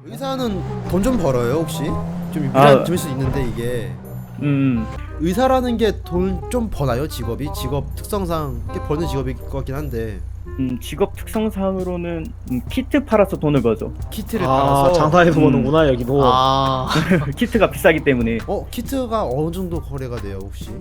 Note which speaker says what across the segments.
Speaker 1: 의사는 돈 좀 벌어요 혹시? 좀
Speaker 2: 아.
Speaker 1: 들을 수 있는데 이게 의사라는 게 돈 좀 버나요? 직업 특성상 꽤 버는 직업일 것 같긴 한데
Speaker 2: 직업 특성상으로는 키트 팔아서 돈을 벌죠.
Speaker 1: 키트를 팔아서
Speaker 3: 장사해서 보는구나 여기도.
Speaker 2: 키트가 비싸기 때문에.
Speaker 1: 키트가 어느 정도 거래가 돼요 혹시?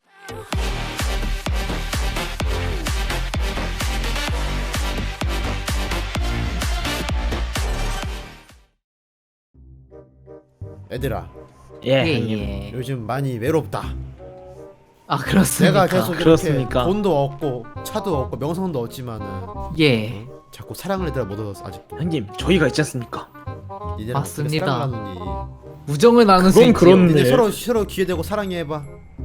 Speaker 1: 얘들아
Speaker 3: 예.
Speaker 4: 예.
Speaker 1: 요즘 많이 외롭다.
Speaker 4: 아 그렇습니까?
Speaker 1: 내가 계속 이렇게
Speaker 3: 그렇습니까?
Speaker 1: 돈도 얻고 차도 얻고 명성도 얻지만은
Speaker 4: 예.
Speaker 1: 자꾸 사랑을 얘들아 못 얻어서 아직도
Speaker 3: 형님 저희가 있지 않습니까?
Speaker 1: 니네랑
Speaker 4: 맞습니다.
Speaker 1: 사랑을 나누니
Speaker 4: 우정을 나눌 수
Speaker 3: 그건
Speaker 4: 있지요.
Speaker 3: 그렇네.
Speaker 1: 니네 서로 귀에 대고 사랑해봐.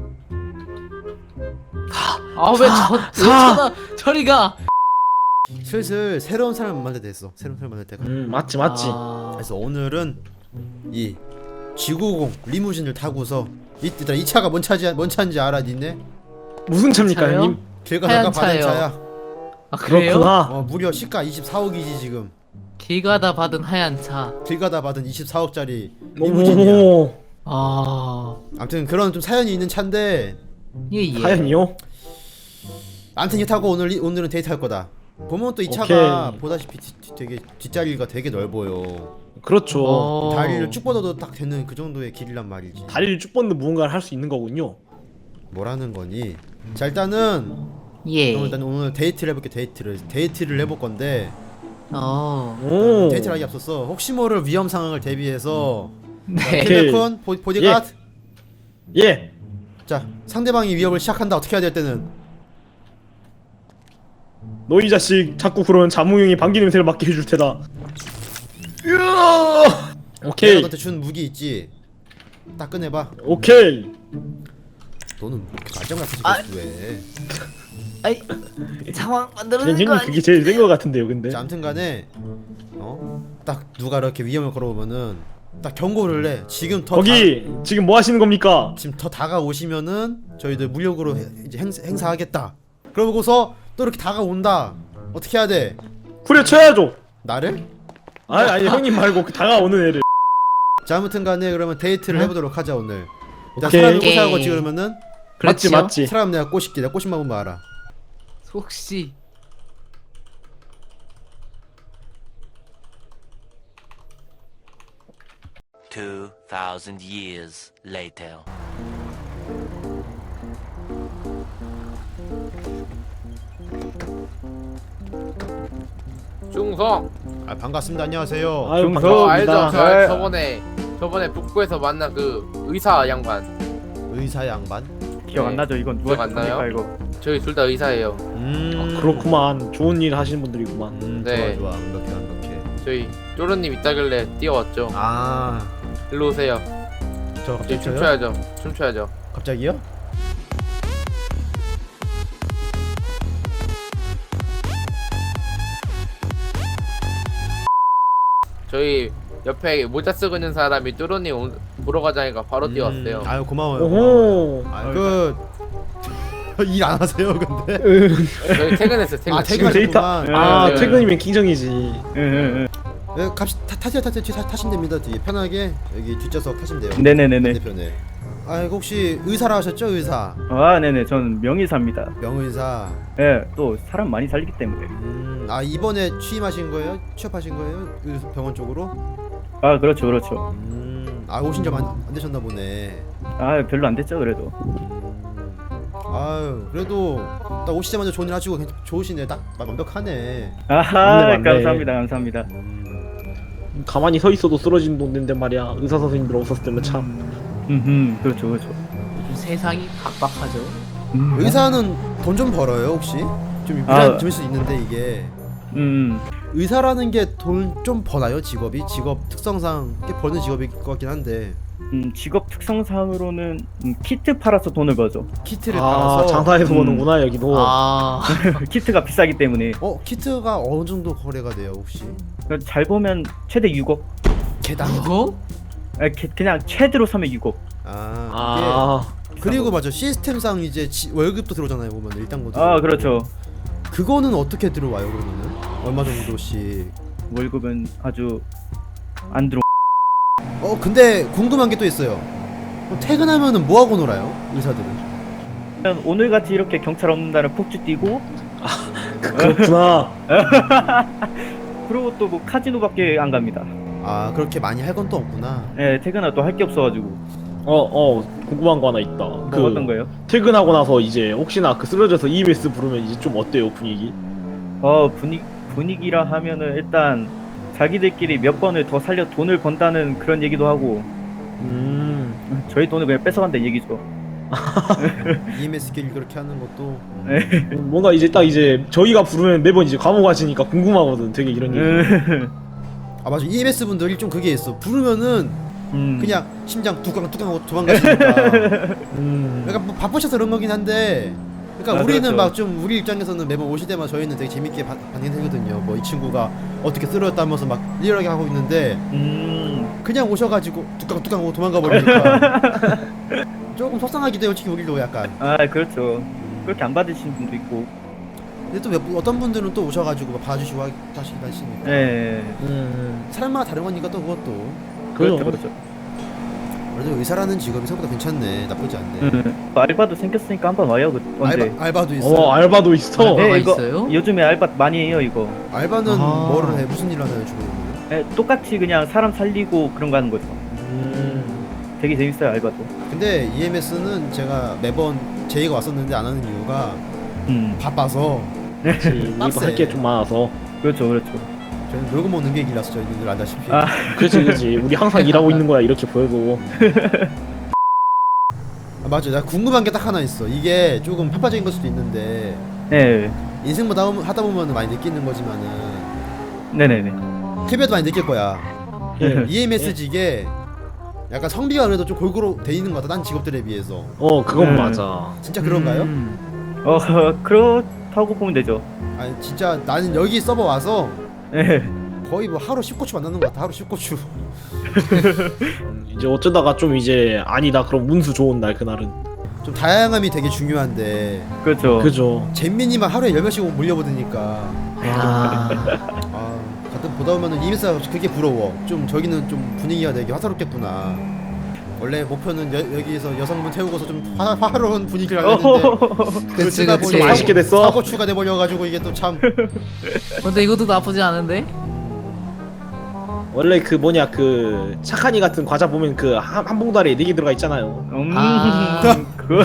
Speaker 4: 아왜 저리가.
Speaker 1: 슬슬 새로운 사람을 만날 때 됐어. 새로운 사람을 만날 때가.
Speaker 3: 맞지.
Speaker 1: 그래서 오늘은 이 G90 리무진을 타고서 이때다 이 차가 뭔 차인지 알아 니네?
Speaker 3: 무슨 차입니까
Speaker 4: 차요?
Speaker 3: 형님?
Speaker 1: 길가
Speaker 4: 하얀
Speaker 1: 다가 받은
Speaker 4: 차예요.
Speaker 1: 차야.
Speaker 4: 아 그래요?
Speaker 3: 그렇구나.
Speaker 1: 무려 시가 24억이지 지금.
Speaker 4: 길 가다 받은 하얀 차.
Speaker 1: 길 가다 받은 24억짜리 리무진이야.
Speaker 3: 오.
Speaker 4: 아
Speaker 1: 아무튼 그런 좀 사연이 있는 차인데
Speaker 4: 예예.
Speaker 3: 사연이요?
Speaker 1: 아무튼 이 타고 오늘은 데이트할 거다. 보면 또 이 차가
Speaker 3: 오케이.
Speaker 1: 보다시피 되게 뒷자리가 되게 넓어요.
Speaker 3: 그렇죠.
Speaker 1: 다리를 쭉 뻗어도 딱 되는 그 정도의 길이란 말이지.
Speaker 3: 다리를 쭉 뻗는 무언가를 할 수 있는 거군요.
Speaker 1: 뭐라는 거니? 자 일단은
Speaker 4: 예.
Speaker 1: 그럼 일단 오늘 데이트를 해볼게. 데이트를 해볼 건데
Speaker 3: 오.
Speaker 1: 데이트를 하기 앞서서 혹시 모를 위험 상황을 대비해서
Speaker 4: 네.
Speaker 1: 킬베콘 보디가드.
Speaker 3: 예.
Speaker 1: 자 상대방이 위협을 시작한다. 어떻게 해야 될 때는
Speaker 3: 너 이 자식 자꾸 그러면 자몽형이 방귀 냄새를 맡게 해줄 테다.
Speaker 1: 내가
Speaker 3: 오케이.
Speaker 1: 너한테 준 무기 있지? 딱 꺼내봐.
Speaker 3: 오케이.
Speaker 1: 너는 뭐 이렇게 말짱 같은 왜?
Speaker 4: 아이 상황 만들어낸
Speaker 3: 형님
Speaker 4: 거 아니?
Speaker 3: 그게 제일 센 거 같은데요 근데.
Speaker 1: 자 아무튼간에 딱 누가 이렇게 위험을 걸어오면은 딱 경고를 해. 지금
Speaker 3: 거기 지금 뭐 하시는 겁니까?
Speaker 1: 지금 더 다가오시면은 저희들 무력으로 이제 행사하겠다. 그러고서 또 이렇게 다가온다. 어떻게 해야 돼?
Speaker 3: 후려쳐야죠.
Speaker 1: 나를?
Speaker 3: 아니 형님 말고 그 다가오는 애를.
Speaker 1: 자 아무튼간에 그러면 데이트를 해보도록 하자 오늘. 일단
Speaker 3: 오케이.
Speaker 1: 사람을 꼬셔야 거지 그러면은
Speaker 3: 맞지
Speaker 4: 그렇지요?
Speaker 3: 맞지.
Speaker 1: 사람 내가 꼬실게. 내가 꼬신 방법 알아.
Speaker 4: 혹시
Speaker 5: 2,000 years later.
Speaker 6: 중성.
Speaker 1: 아 반갑습니다. 안녕하세요.
Speaker 3: 아유
Speaker 2: 중서
Speaker 6: 알죠?
Speaker 3: 반갑습니다.
Speaker 2: 네.
Speaker 6: 저번에 북구에서 만난 그 의사 양반.
Speaker 1: 의사 양반.
Speaker 2: 기억 안 나죠? 이건 누가
Speaker 6: 기억 안 나요?
Speaker 2: 했습니까, 이거?
Speaker 6: 저희 둘 다 의사예요.
Speaker 3: 그렇구만. 좋은 일 하시는 분들이구만.
Speaker 6: 네.
Speaker 1: 좋아 완벽해.
Speaker 6: 저희 쪼르님 있다길래 뛰어왔죠.
Speaker 1: 아,
Speaker 6: 일로 오세요.
Speaker 1: 저
Speaker 6: 저희
Speaker 1: 갑자기 쳐요?
Speaker 6: 춤춰야죠.
Speaker 1: 갑자기요?
Speaker 6: 저희 옆에 모자 쓰고 있는 사람이 쪼르님 보러 가자니까 바로 뛰어왔어요.
Speaker 1: 아유 고마워요.
Speaker 3: 오호.
Speaker 1: 일 안 하세요 근데?
Speaker 6: 저희 퇴근했어요. 퇴근.
Speaker 1: 아
Speaker 3: 지금 데이터.
Speaker 1: 퇴근하셨구만.
Speaker 3: 아
Speaker 6: 네.
Speaker 3: 퇴근이면 킹정이지.
Speaker 2: 응.
Speaker 1: 네, 타세요. 타시면 됩니다. 뒤에 편하게 여기 뒷좌석 타시면 돼요.
Speaker 2: 네네네네.
Speaker 1: 반대편에. 아 이거 혹시 의사라 하셨죠? 의사.
Speaker 2: 아, 네네. 저는 명의사입니다.
Speaker 1: 명의사.
Speaker 2: 예, 또 사람 많이 살리기 때문에.
Speaker 1: 아 이번에 취임하신 거예요? 취업하신 거예요? 병원 쪽으로?
Speaker 2: 아, 그렇죠.
Speaker 1: 아 오신 지 안 되셨나 보네.
Speaker 2: 아, 별로 안 됐죠, 그래도.
Speaker 1: 아유 그래도 딱 오시자마자 좋은 일 하시고 좋으시네. 딱 완벽하네.
Speaker 2: 아하,
Speaker 3: 맞네.
Speaker 2: 감사합니다.
Speaker 3: 가만히 서 있어도 쓰러지는 돈인데 말이야. 의사 선생님들 없었을 때면 참.
Speaker 2: 그렇죠.
Speaker 4: 세상이 각박하죠.
Speaker 1: 의사는 돈 좀 벌어요 혹시? 좀 들을 수 있는데 이게 의사라는 게 돈 좀 버나요? 직업 특성상 꽤 버는 직업일 것 같긴 한데
Speaker 2: 직업 특성상으로는 키트 팔아서 돈을 벌죠.
Speaker 1: 키트를 팔아서
Speaker 3: 장사해서 보는구나 여기도.
Speaker 2: 키트가 비싸기 때문에.
Speaker 1: 키트가 어느 정도 거래가 돼요 혹시?
Speaker 2: 잘 보면 최대 6억.
Speaker 1: 개당?
Speaker 4: 그거?
Speaker 2: 그냥 최대로 사면 6억.
Speaker 1: 그리고 맞아 시스템상 이제 월급도 들어오잖아요 보면 일당도.
Speaker 2: 아, 그렇죠.
Speaker 1: 그거는 어떻게 들어와요 그러면은? 얼마 정도씩?
Speaker 2: 월급은 아주 안 들어.
Speaker 1: 근데 궁금한 게 또 있어요. 퇴근하면은 뭐 하고 놀아요? 의사들은?
Speaker 2: 오늘 같이 이렇게 경찰 없는 날은 폭주 뛰고,
Speaker 3: 그렇구나.
Speaker 2: 그리고 또 뭐 카지노밖에 안 갑니다.
Speaker 1: 아, 그렇게 많이 할 건 또 없구나.
Speaker 2: 예, 퇴근하고 또 할 게 없어가지고.
Speaker 3: 궁금한 거 하나 있다.
Speaker 2: 뭐 어떤 거예요?
Speaker 3: 퇴근하고 나서 이제 혹시나 그 쓰러져서 EMS 부르면 이제 좀 어때요 분위기?
Speaker 2: 분위기라 하면은 일단 자기들끼리 몇 번을 더 살려 돈을 번다는 그런 얘기도 하고, 저희 돈을 그냥 뺏어간다 얘기죠.
Speaker 1: EMS끼리 그렇게 하는 것도
Speaker 3: 뭔가 이제 딱 이제 저희가 부르면 매번 이제 감옥 가시니까 궁금하거든. 되게 이런 얘기.
Speaker 1: 아 맞아, EMS 분들이 좀 그게 있어. 부르면은 그냥 심장 뚜껑하고 도망가시니까. 그러니까 뭐 바쁘셔서 그런 거긴 한데, 그러니까 우리는
Speaker 2: 그렇죠.
Speaker 1: 막 좀 우리 입장에서는 매번 오실 때마다 저희는 되게 재밌게 반응하거든요. 뭐 이 친구가 어떻게 쓰러졌다면서 막 리얼하게 하고 있는데 그냥 오셔가지고 뚜껑하고 도망가 버리니까 조금 속상하기도 해요, 솔직히 우리도 약간.
Speaker 2: 아, 그렇죠. 그렇게 안 받으시는 분도 있고.
Speaker 1: 근데 또 어떤 분들은 또 오셔가지고 막 봐주시고 하시니까.
Speaker 2: 예.
Speaker 1: 사람마다 다른 거니까 또 그것도.
Speaker 2: 그렇죠, 그렇죠.
Speaker 1: 그래도 의사라는 직업이 생각보다 괜찮네. 나쁘지 않네.
Speaker 2: 알바도 생겼으니까 한번 와요. 언제?
Speaker 1: 알바도 있어.
Speaker 3: 알바도 있어.
Speaker 4: 알바?
Speaker 2: 네, 이거
Speaker 4: 있어요?
Speaker 2: 요즘에 알바 많이 해요, 이거.
Speaker 1: 알바는 뭐를 해? 무슨 일 하나요, 주로?
Speaker 2: 예, 똑같이 그냥 사람 살리고 그런 거 하는 거죠. 되게 재밌어요, 알바도.
Speaker 1: 근데 EMS는 제가 매번 제의가 왔었는데 안 하는 이유가 바빠서.
Speaker 3: 우리도 할 게 좀 많아서.
Speaker 2: 그렇죠, 그렇죠.
Speaker 1: 저희는 놀고 먹는 게 길이라서 저희들 알다시피.
Speaker 2: 아.
Speaker 3: 그렇지. 우리 항상 일하고 있는 거야 이렇게 보여도.
Speaker 1: 맞아, 나 궁금한 게 딱 하나 있어. 이게 조금 편파적인 걸 수도 있는데
Speaker 2: 네,
Speaker 1: 인생 뭐 하다 보면 많이 느끼는 거지만은
Speaker 2: 네네네.
Speaker 1: TV에도 많이 느낄 거야.
Speaker 3: 예.
Speaker 1: EMS직에 약간 성비가 그래도 좀 골고루 돼 있는 것 같아, 딴 직업들에 비해서.
Speaker 3: 그건 맞아.
Speaker 1: 진짜 그런가요?
Speaker 2: 그렇다고 보면 되죠.
Speaker 1: 아니 진짜 나는 여기 서버 와서
Speaker 2: 예.
Speaker 1: 거의 뭐 하루 10고추 만나는 것 같아. 하루 10고추.
Speaker 3: 이제 어쩌다가 좀 이제 아니다 그럼 운수 좋은 날 그날은.
Speaker 1: 좀 다양함이 되게 중요한데
Speaker 2: 그렇죠.
Speaker 3: 그죠.
Speaker 1: 잼민이만 하루에 10명씩 몰려보드니까 가끔 보다 보면은 EMS가 그게 부러워. 좀 저기는 좀 분위기가 되게 화사롭겠구나. 원래 목표는 여기에서 여성분 태우고서 좀 화로운 분위기를 하려는데
Speaker 4: 그치,
Speaker 1: 그러다
Speaker 4: 그치.
Speaker 1: 보니
Speaker 3: 맛있게 됐어.
Speaker 1: 사고추가 돼버려가지고 이게 또 참.
Speaker 4: 근데 이것도 나쁘지 않은데?
Speaker 3: 원래 그 뭐냐 그 착한이 같은 과자 보면 그 한 봉다리에 4개 들어가 있잖아요.
Speaker 2: 그거.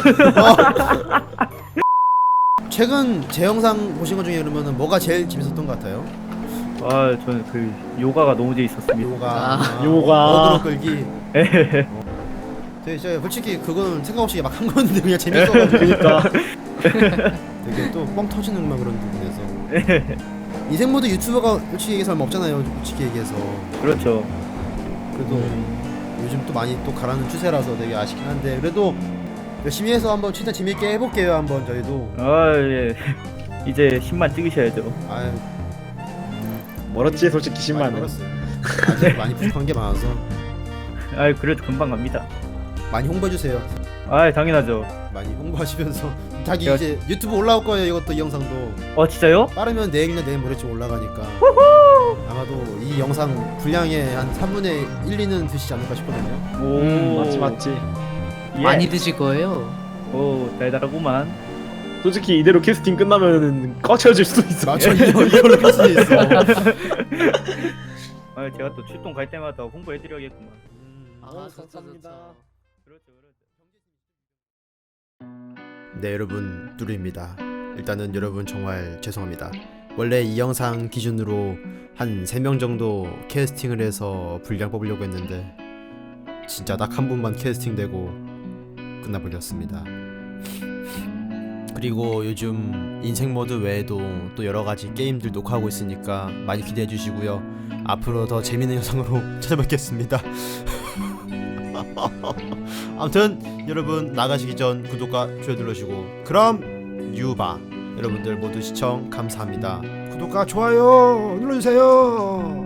Speaker 1: 최근 제 영상 보신 것 중에 그러면은 뭐가 제일 재밌었던 것 같아요?
Speaker 2: 저는 그 요가가 너무 재밌었습니다.
Speaker 3: 요가.
Speaker 1: 어그로 끌기. 되게 솔직히 그건 생각 없이 막 한 건데 그냥 재밌어가지고.
Speaker 3: 그러니까.
Speaker 1: 되게 또 뻥 터지는 막 그런 부분에서. 인생모드 유튜버가 솔직히 얘기해서 얼마 없잖아요, 솔직히 얘기해서.
Speaker 2: 그렇죠.
Speaker 1: 그래도 요즘 또 많이 또 가라는 추세라서 되게 아쉽긴 한데, 그래도 열심히 해서 한번 진짜 재밌게 해볼게요. 한번 저희도.
Speaker 2: 예. 이제 10만 찍으셔야죠.
Speaker 1: 아유,
Speaker 3: 멀었지 솔직히
Speaker 1: 많이
Speaker 3: 10만은.
Speaker 1: 벌었어요. 아직 많이 부족한 게 많아서
Speaker 2: 그래도 금방 갑니다.
Speaker 1: 많이 홍보해주세요.
Speaker 2: 당연하죠.
Speaker 1: 많이 홍보하시면서 자기
Speaker 2: 제가-
Speaker 1: 이제 유튜브 올라올 거예요. 이것도 이 영상도
Speaker 2: 진짜요?
Speaker 1: 빠르면 내일이나 내일 모레쯤 올라가니까 아마도 이 영상 분량의 한 3분의 1, 2는 드시지 않을까 싶거든요.
Speaker 2: 오,
Speaker 3: 맞지.
Speaker 2: 예.
Speaker 4: 많이 드실 거예요.
Speaker 2: 오, 달달하구만.
Speaker 3: 솔직히 이대로 캐스팅 끝나면은 꺼쳐질 수도 있어.
Speaker 1: 맞죠? 이걸로 할 수도 있어.
Speaker 2: 제가 또 출동 갈 때마다 홍보해드려야겠구만.
Speaker 4: 감사합니다.
Speaker 2: 그렇죠, 그렇죠.
Speaker 1: 네, 여러분, 뚜루입니다. 일단은 여러분 정말 죄송합니다. 원래 이 영상 기준으로 한 3명 정도 캐스팅을 해서 분량 뽑으려고 했는데 진짜 딱 한 분만 캐스팅되고 끝나버렸습니다. 그리고 요즘 인생모드 외에도 또 여러가지 게임들 녹화하고 있으니까 많이 기대해 주시고요. 앞으로 더 재밌는 영상으로 찾아뵙겠습니다. 아무튼 여러분 나가시기 전 구독과 좋아요 눌러주시고 그럼 유바. 여러분들 모두 시청 감사합니다. 구독과 좋아요 눌러주세요.